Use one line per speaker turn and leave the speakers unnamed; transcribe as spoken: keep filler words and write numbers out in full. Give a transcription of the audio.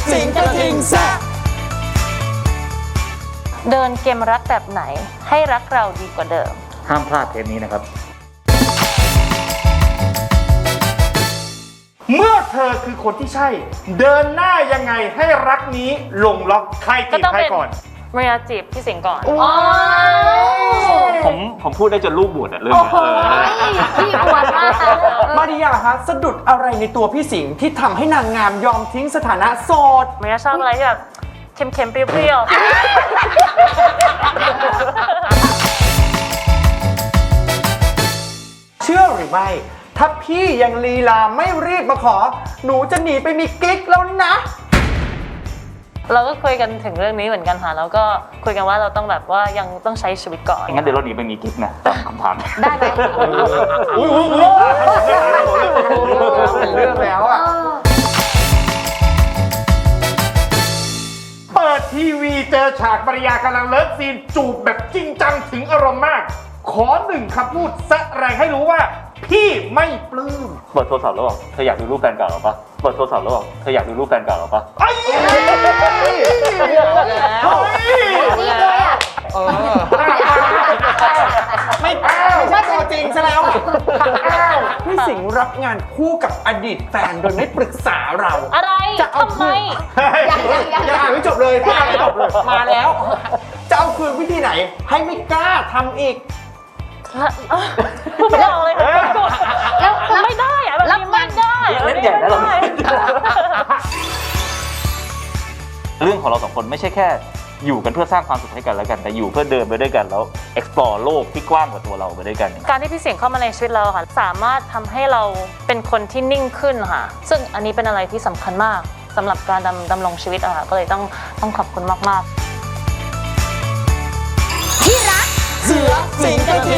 สิงกระทิงแซะ
เดินเกมรักแบบไหนให้รักเราดีกว่าเดิม
ห้ามพลาดเทปนี้นะครับ
เมื่อเธอคือคนที่ใช่ เดินหน้ายังไงให้รักนี้ลงล็อกใครจีบใครก่อน
เมียจีบพี่สิงห์ก่อน
ผมผมพูดได้จนลูกบวชอะเรื่องนี้
พี่บวชมาก
มาริยาฮะสะดุดอะไรในตัวพี่สิงห์ที่ทำให้นางงามยอมทิ้งสถานะโสด
เมียชอบอะไรที่แบบเค็มๆเปรี้ยวๆ
เชื่อหรือไม่ถ้าพี่ยังลีลาไม่รีบมาขอหนูจะหนีไปมีกิ๊กแล้วนะ
เราก็คุยกันถึงเรื่องนี้เหมือนกันค่ะแล้วก็คุยกันว่าเราต้องแบบว่ายังต้องใช้ชีวิตก่อน
งั้นเดี๋ยวเราหนีไปมีกิ๊กนะตอบคำถาม
ได้ไหม
อุ้ยอุ้ย
เป็นเรื่องแล้วอ่ะ
เปิดทีวีเจอฉากปริยากำลังเลิฟซีนจูบแบบจริงจังถึงอารมณ์มากขอหนึ่งคำพูดแสแรงให้รู้ว่าพี่ไม่ปลื้ม
เปิดโทรศัพท์แล้วบอกเธออยากดูรูปแฟนเก่าหรอปะเปิดโทรศัพท์แล้วบอกเธออยากดูรูปแฟนเก่าหรอปะ
ไอ้
นี่เลยอ่ะไม่ไม่ใช่ตัวจริงซะแล้วพี่สิงห์รับงานคู่กับอดีตแฟนโดยไม่ปรึกษาเรา
อะไร
จะเอาคืนยังยังยังอ่านไม่จบเลยยังไม่จบเลยมาแล้วจะเอาคืนวิธีไหนให้ไม่กล้าทำอีก
พูดไม่ออกเลยค่ะแล้วไม่ได้อะแบบนี้ไม่ได้
เล่นใหญ่แล้วเราเรื่องของเราสองคนไม่ใช่แค่อยู่กันเพื่อสร้างความสุขให้กันแล้วกันแต่อยู่เพื่อเดินไปด้วยกันแล้ว explore โลกที่กว้างกว่าตัวเราไปด้วยกัน
การที่พี่เสียงเข้ามาในชีวิตเราค่ะสามารถทำให้เราเป็นคนที่นิ่งขึ้นค่ะซึ่งอันนี้เป็นอะไรที่สำคัญมากสำหรับการดำดำรงชีวิตอะค่ะก็เลยต้องต้องขอบคุณมากๆ
ที่รักเสือสิงกระทิ